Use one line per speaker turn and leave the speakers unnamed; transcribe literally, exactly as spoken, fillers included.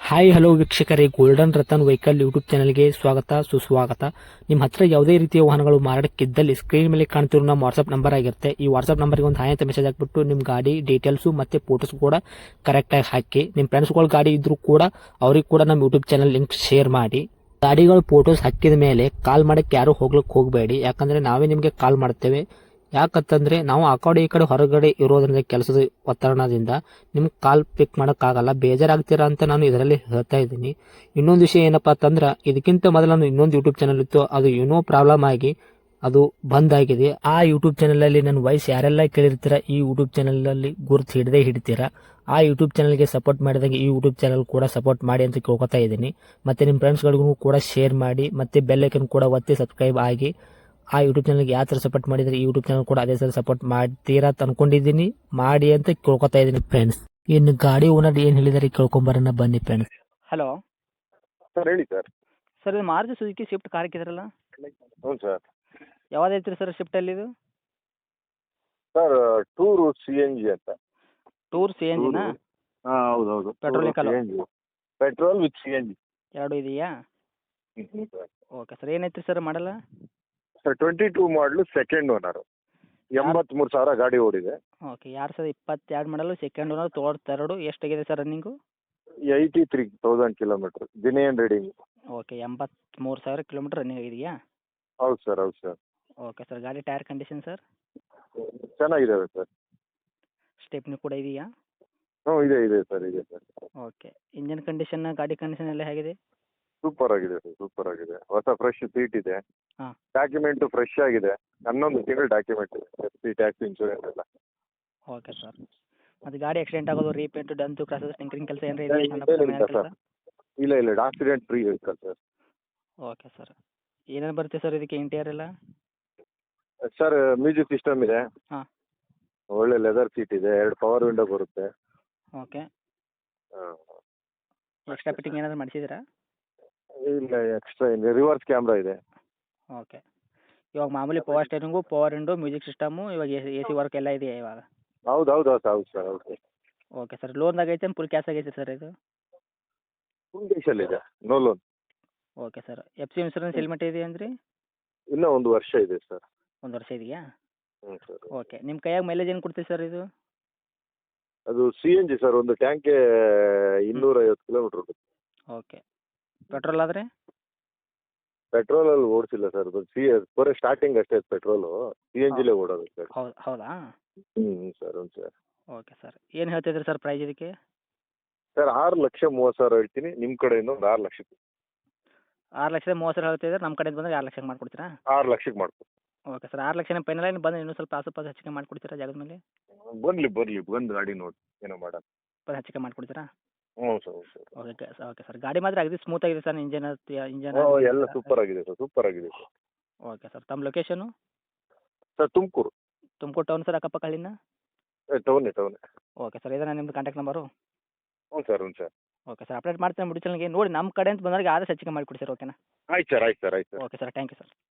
Hi hello ವೀಕ್ಷಕರೇ, golden Ratan vehicle YouTube ಚಾನಲ್ಗೆ ಸ್ವಾಗತ ಸುಸ್ವಾಗತ. ನಿಮ್ಮ ಹತ್ರ ಯಾವುದೇ ರೀತಿಯ ವಾಹನಗಳು ಮಾರಾಟಕ್ಕಿದ್ದಲ್ಲಿ ಸ್ಕ್ರೀನ್ ಮೇಲೆ ಕಾಣ್ತಿರೋ ನಮ್ಮ ವಾಟ್ಸ್ಆಪ್ ನಂಬರ್ ಆಗಿರುತ್ತೆ. ಈ ವಾಟ್ಸ್ಆಪ್ ನಂಬರ್ಗೆ ಒಂದು ಹಾಯ್ ಅಂತ ಮೆಸೇಜ್ ಹಾಕ್ಬಿಟ್ಟು ನಿಮ್ಮ ಗಾಡಿ ಡೀಟೇಲ್ಸು ಮತ್ತೆ ಫೋಟೋಸ್ ಕೂಡ ಕರೆಕ್ಟಾಗಿ ಹಾಕಿ. ನಿಮ್ಮ ಫ್ರೆಂಡ್ಸ್ಗಳ ಗಾಡಿ ಇದ್ರೂ ಕೂಡ ಅವ್ರಿಗೆ ಕೂಡ ನಮ್ಮ ಯೂಟ್ಯೂಬ್ ಚಾನಲ್ ಲಿಂಕ್ ಶೇರ್ ಮಾಡಿ. ಗಾಡಿಗಳು ಫೋಟೋಸ್ ಹಾಕಿದ ಮೇಲೆ ಕಾಲ್ ಮಾಡಕ್ಕೆ ಯಾರು ಹೋಗ್ಲಿಕ್ಕೆ ಹೋಗಬೇಡಿ, ಯಾಕಂದ್ರೆ ನಾವೇ ನಿಮಗೆ ಕಾಲ್ ಮಾಡ್ತೇವೆ. ಯಾಕಂತಂದ್ರೆ ನಾವು ಆ ಕಡೆ ಈ ಕಡೆ ಹೊರಗಡೆ ಇರೋದ್ರಿಂದ ಕೆಲಸದ ಒತ್ತಡದಿಂದ ನಿಮ್ಗೆ ಕಾಲ್ ಪಿಕ್ ಮಾಡೋಕ್ಕಾಗಲ್ಲ, ಬೇಜಾರಾಗ್ತೀರಾ ಅಂತ ನಾನು ಇದರಲ್ಲಿ ಹೇಳ್ತಾ ಇದ್ದೀನಿ. ಇನ್ನೊಂದು ವಿಷಯ ಏನಪ್ಪಾ ಅಂತಂದ್ರೆ, ಇದಕ್ಕಿಂತ ಮೊದಲು ನಾನು ಇನ್ನೊಂದು ಯೂಟ್ಯೂಬ್ ಚಾನಲ್ ಇತ್ತು, ಅದು ಏನೋ ಪ್ರಾಬ್ಲಮ್ ಆಗಿ ಅದು ಬಂದ್ ಆಗಿದೆ. ಆ ಯೂಟ್ಯೂಬ್ ಚಾನಲ್ ಅಲ್ಲಿ ನನ್ನ ವಾಯ್ಸ್ ಯಾರೆಲ್ಲ ಕೇಳಿರ್ತೀರಾ, ಈ ಯೂಟ್ಯೂಬ್ ಚಾನಲ್ ಅಲ್ಲಿ ಗುರುತು ಹಿಡದೆ ಹಿಡಿತೀರಾ. ಆ ಯೂಟ್ಯೂಬ್ ಚಾನಲ್ಗೆ ಸಪೋರ್ಟ್ ಮಾಡಿದಾಗ ಈ ಯೂಟ್ಯೂಬ್ ಚಾನಲ್ ಕೂಡ ಸಪೋರ್ಟ್ ಮಾಡಿ ಅಂತ ಕೇಳ್ಕೊತಾ ಇದ್ದೀನಿ. ಮತ್ತೆ ನಿಮ್ಮ ಫ್ರೆಂಡ್ಸ್ಗಳಿಗೂ ಕೂಡ ಶೇರ್ ಮಾಡಿ, ಮತ್ತೆ ಬೆಲ್ ಐಕನ್ ಕೂಡ ಒತ್ತಿ ಸಬ್ಸ್ಕ್ರೈಬ್ ಆಗಿ. ಆ ಯೂಟ್ಯೂಬ್ ಚಾನಲ್ಗೆ ಯಾವ ಥರ ಸಪೋರ್ಟ್ ಮಾಡಿದ್ರೆ ಈ ಯೂಟ್ಯೂಬ್ ಚಾನಲ್ ಕೂಡ ಅದೇ ಥರ ಸಪೋರ್ಟ್ ಮಾಡ್ತೀರಾ ಅಂತ ಅನ್ಕೊಂಡಿದ್ದೀನಿ. ಮಾಡಿ ಅಂತ ಕೇಳ್ಕೊತಾ ಇದ್ದೀನಿ ಫ್ರೆಂಡ್ಸ್. ಇನ್ನು ಗಾಡಿ ಓನರ್ ಏನು ಹೇಳಿದಾರೆ ಕೇಳ್ಕೊಂಬರೋಣ ಬನ್ನಿ ಫ್ರೆಂಡ್ಸ್.
ಹಲೋ
ಸರ್ ಹೇಳಿ ಸರ್.
ಸರ್ ಇದು ಮಾರುತಿ ಸುಜುಕಿ ಸ್ವಿಫ್ಟ್ ಕಾರ್ ಹಾಕಿದ್ರಲ್ಲ,
ಹ್ಞೂ ಸರ್.
ಯಾವ್ದು ಐತ್ರಿ ಸರ್ ಸ್ವಿಫ್ಟಲ್ಲಿ ಇದು?
Sir tour C N G ಅಂತ.
ಟೂರ್ ಸಿ ಎನ್ ಜಿನಾ?
ಹಾಂ ಹೌದು ಹೌದು.
Petrol vehicle?
C N G, petrol with C N G.
ಎರಡು ಇದೆಯಾ?
ಹ್ಞೂ ಸರ್.
ಓಕೆ ಸರ್, ಏನೈತ್ರಿ sir model?
Sir twenty two model second owner, ಎಂಬತ್ತ್ಮೂರು ಸಾವಿರ ಗಾಡಿ ಓಡಿದೆ.
ಓಕೆ, ಎರಡು ಸಾವಿರದ ಇಪ್ಪತ್ತೆರಡು ಮಾಡಲು ಸೆಕೆಂಡ್ ಓನರ್, ತೊಗೊಳ್ತೆರಡು. ಎಷ್ಟಾಗಿದೆ sir running?
Eighty three thousand kilometre ದಿನೇನ್ ರೀಡಿಂಗ್.
ಓಕೆ, ಎಂಬತ್ತ್ಮೂರು ಸಾವಿರ ಕಿಲೋಮೀಟ್ರ್ ರನ್ನಿಂಗ್ ಆಗಿದೆಯಾ?
ಹೌದು ಸರ್ ಹೌದು ಸರ್.
ಓಕೆ ಸರ್, ಗಾಡಿ ಟೈರ್ ಕಂಡೀಷನ್ ಸರ್?
ಚೆನ್ನಾಗಿದ್ದಾವೆ ಸರ್.
ಸ್ಟೆಪ್ನಿ ಕೂಡ ಇದೆಯಾ?
ಹ್ಞೂ ಇದೆ ಇದೆ ಸರ್ ಇದೆ ಸರ್.
ಓಕೆ, ಇಂಜನ್ ಕಂಡೀಷನ್ ಗಾಡಿ ಕಂಡೀಷನ್ ಎಲ್ಲ ಹೇಗಿದೆ?
ಸೂಪರ್ ಆಗಿದೆ ಸರ್, ಸೂಪರ್ ಆಗಿದೆ. ಹೊಸ ಫ್ರೆಶ್ ಸೀಟ್ ಇದೆ.
ಹಾಂ.
ಡಾಕ್ಯುಮೆಂಟು ಫ್ರೆಶ್ ಆಗಿದೆ. ಹನ್ನೊಂದು ತಿಂಗಳು ಡಾಕ್ಯುಮೆಂಟ್ ಇದೆ, ಎಫ್ ಸಿ ಟ್ಯಾಕ್ಸ್ ಇನ್ಶೂರೆನ್ಸ್ ಎಲ್ಲ.
ಓಕೆ ಸರ್, ಮತ್ತು ಗಾಡಿ ಆಕ್ಸಿಡೆಂಟ್ ಆಗೋದು, ರೀಪೇಂಟು, ಡಂತು, ಕ್ರಾಸಸ್, ಟಿಂಕರಿಂಗ್ ಕೆಲಸ ಏನಾರ
ಇಲ್ಲ,
ಇದೆ?
ಇಲ್ಲ ಸರ್. ಇಲ್ಲ ಇಲ್ಲ accident free vehicle sir.
Okay sir, ಏನೇನು ಬರುತ್ತೆ ಸರ್ ಇದಕ್ಕೆ ಇಂಟೀರಿಯರ್ ಎಲ್ಲ?
ಸರ್ ಮ್ಯೂಸಿಕ್ ಸಿಸ್ಟಮ್ ಇದೆ.
ಹಾಂ.
ಒಳ್ಳೆ ಲೆದರ್ ಸೀಟ್ ಇದೆ, ಎರಡು ಪವರ್ ವಿಂಡೋ ಬರುತ್ತೆ.
ಓಕೆ,
ಹಾಂ.
ಎಕ್ಸ್ಟ್ರಾ ಫಿಟ್ಟಿಂಗ್ ಏನಾದರೂ ಮಾಡಿಸಿದ್ದೀರಾ?
ಇಲ್ಲ ಎಕ್ಸ್ಟ್ರಾ ಇದೆ, ರಿವರ್ಸ್ ಕ್ಯಾಮ್ರಾ ಇದೆ.
ಓಕೆ, ಇವಾಗ ಮಾಮೂಲಿ power steering, power window, music system, ಇವಾಗ ಎ ಎ ಸಿ ವರ್ಕ್ ಎಲ್ಲ ಇದೆಯಾ ಇವಾಗ?
ಹೌದು ಹೌದು ಹೌದು ಹೌದು ಸರ್ ಹೌದು.
ಓಕೆ ಸರ್, ಲೋನ್ದಾಗ ಐತೆ ಫುಲ್ ಕ್ಯಾಶ್ ಆಗೈತೆ ಸರ್ ಇದು?
ಫುಲ್ ಇದೆ, no loan.
Okay sir, F C insurance ಎಲ್ಲಿ ಮಟ್ಟ ಇದೆ ಅಂದ್ರಿ?
ಇನ್ನೂ ಒಂದು ವರ್ಷ ಇದೆ ಸರ್.
ಒಂದು ವರ್ಷ ಇದೆಯಾ?
ಹ್ಞೂ ಸರ್.
ಓಕೆ, ನಿಮ್ಮ ಕೈಯಾಗ ಮೈಲೇಜ್ ಏನು ಕೊಡ್ತೀವಿ ಸರ್ ಇದು?
ಅದು ಸಿ ಎನ್ ಜಿ ಸರ್, ಒಂದು ಟ್ಯಾಂಕ್ಗೆ ಇನ್ನೂರೈವತ್ತು ಕಿಲೋಮೀಟ್ರ್ ಹೋಗುತ್ತೆ.
ಓಕೆ, ಪೆಟ್ರೋಲ್ ಆದರೆ?
ಪೆಟ್ರೋಲಲ್ಲಿ ಓಡಿಸಿಲ್ಲ ಸರ್, ಅದು ಸಿ ಬರೀ ಸ್ಟಾರ್ಟಿಂಗ್ ಅಷ್ಟೇ ಪೆಟ್ರೋಲು. ಸಿ ಎನ್ ಜಿಲೇ ಓಡೋದು ಸರ್.
ಹೌದು ಹೌದಾ?
ಹ್ಞೂ ಹ್ಞೂ ಸರ್ ಹ್ಞೂ ಸರ್.
ಓಕೆ ಸರ್, ಏನು ಹೇಳ್ತಿದ್ರಿ ಸರ್ ಪ್ರೈಸ್ ಇದಕ್ಕೆ?
ಸರ್ ಆರು ಲಕ್ಷ ಮೂವತ್ತು ಸಾವಿರ ಹೇಳ್ತೀನಿ, ನಿಮ್ಮ ಕಡೆಯಿಂದ ಒಂದು ಆರು ಲಕ್ಷಕ್ಕೆ.
ಆರು ಲಕ್ಷದ ಮೂವತ್ತು ಸಾವಿರ ಹೇಳ್ತಿದ್ರೆ ನಮ್ಮ ಕಡೆಯಿಂದ ಬಂದರೆ ಆರು ಲಕ್ಷಕ್ಕೆ ಮಾಡಿಕೊಡ್ತೀರಾ?
ಆರು ಲಕ್ಷಕ್ಕೆ ಮಾಡ್ಕೊಡ್ತೀನಿ.
ಓಕೆ ಸರ್, ಆರು ಲಕ್ಷನೇ ಫೈನಲ್ ಏನು ಬಂದು ಇನ್ನೂ ಸ್ವಲ್ಪ ಆಸು ಪಾಸು ಹೆಚ್ಚಿಗೆ ಮಾಡಿಕೊಡ್ತೀರಾ ಜಾಗದ ಮೇಲೆ?
ಬರಲಿ ಬರಲಿ ಬಂದು ಗಾಡಿ ನೋಡಿ ಏನೋ ಮಾಡೋಣ.
ಸ್ವಲ್ಪ ಹೆಚ್ಚಿಗೆ ಮಾಡಿಕೊಡ್ತೀರಾ?
ಹ್ಞೂ ಸರ್ ಹ್ಞೂ sir.
Okay sir, okay sir, ಗಾಡಿ ಮಾತ್ರ ಅಗದಿ ಸ್ಮೂತ್ ಆಗಿದೆ ಸರ್, ಇಂಜನ್ ಇಂಜನ್
ಹ್ಞೂ ಎಲ್ಲ ಸೂಪರ್ ಆಗಿದೆ ಸರ್, ಸೂಪರ್ ಆಗಿದೆ ಸರ್.
ಓಕೆ ಸರ್, ತಮ್ಮ location?
Sir Tumakuru.
Tumakuru town sir, ಅಕ್ಕಪಕ್ಕ ಹಳ್ಳಿನ?
ಟೌನೇ ಟೌನೇ.
ಓಕೆ ಸರ್, ಇದನ್ನ ನಿಮ್ಮದು ಕಾಂಟ್ಯಾಕ್ಟ್ ನಂಬರು?
ಹ್ಞೂ ಸರ್ ಹ್ಞೂ ಸರ್.
ಓಕೆ ಸರ್, ಅಪ್ಡೇಟ್ ಮಾಡ್ತೀನಿ ಬಿಡಿ ಚಾನಲ್ಗೆ ನೋಡಿ, ನಮ್ಮ ಕಡೆ ಅಂತ ಬಂದಾಗ ಆದಷ್ಟು ಹೆಚ್ಚಿಗೆ ಮಾಡಿಕೊಡಿ ಸರ್, ಓಕೆನಾ?
ಆಯ್ತು ಸರ್ ಆಯ್ತು ಸರ್ ಆಯ್ತು sir.
Okay sir, thank you sir.